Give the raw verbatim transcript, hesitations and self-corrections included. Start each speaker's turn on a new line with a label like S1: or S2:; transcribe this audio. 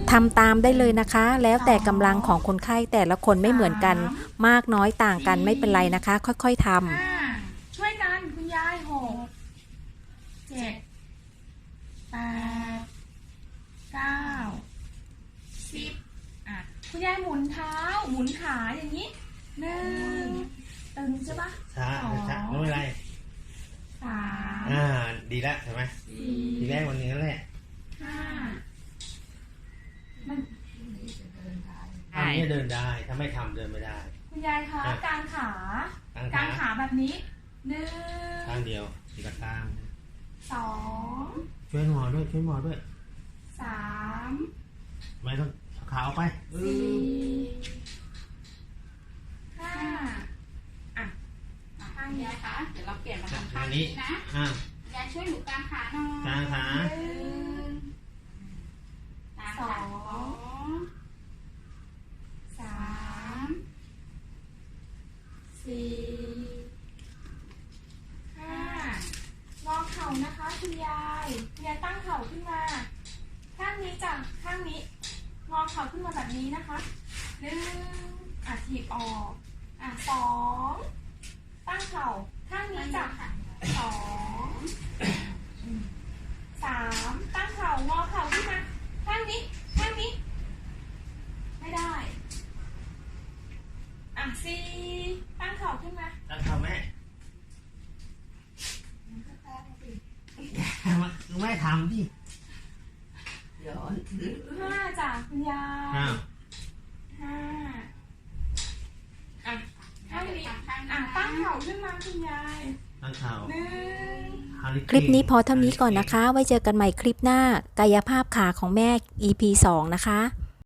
S1: ทำตามได้เลยนะคะ แล้วแต่กำลังของคนไข้แต่ละคนไม่เหมือนกันมากน้อยต่างกันไม่เป็นไรนะคะ ค่อยๆทำ
S2: ห้าช่วยกันคุณยายหกเจ็ดแปดเก้าสิบอ่ะคุณยายหมุนเท้าหมุนขาอย่างนี้หนึ่งตึงใช่ปะ
S3: ช้า
S2: สอง
S3: ช้าไม่เป็นไร
S2: สาม
S3: อ่าดีแล้วใช่ไหม
S2: สี่
S3: ทีแรกวันนี้นั่นแหละ
S2: ห้ามัน
S3: ทำเนี่ยเดินได้ถ้าไม่ทำเดินไม่ได้
S2: คุณยายคะ
S3: อ่ะ
S2: กางขาก
S3: าง
S2: กา
S3: ขาง
S2: ขาแบบนี้หนึ่
S3: ข้าง
S2: ง
S3: เดียวทีละข้าง
S2: สอง
S3: ช่วยหมอด้วยช่วยหมอด้วย
S2: สาม
S3: ไม่ต้องเอาขาออกไปเอ
S2: สี่
S3: อ
S2: ห้าอ่ะ
S4: ข้างยายคะเดี๋ยวเราเปลี่ยนมาทำข้า
S3: อั
S4: ง
S3: น
S4: นี้
S3: นี้
S4: นะ
S3: อ่าย
S4: ายช่วยหนูกางขาหน่อย
S3: กางขา
S2: หนึ่ง
S4: กางขาสอง
S2: สามสี่ห้างอเข่านะคะคุณยายคุณยายตั้งเข่าขึ้นมา ข้างนี้จ้ะข้างนี้ งอเข่าขึ้นมาแบบนี้นะคะหนึ่งอ่ะถีบออกอ่ะสองตั้งเข่าข้างนี้จ้ะสองสามตั้งเข่างอเข่าขึ้นมา ข้างนี้ข้างนี้ ไม่ได้ อ่ะสี่ตั้งเข่าขึ้นมา
S3: ตั้งขาแม่แม่ทำดิ
S2: ห้าจ้ะคุณยาย
S3: อ้าว
S2: ห้าอ่ะข้างนี้
S4: ทำข้าง
S2: อ่ะ
S4: นี้
S2: ตั้งเข่าขึ้นมาคุณยาย
S3: ตั้งขา
S2: หนึ่ง
S1: คลิปนี้พอเท่านี้ก่อนนะคะ ไว้เจอกันใหม่คลิปหน้ากายภาพขาของแม่ อี พี สองนะคะ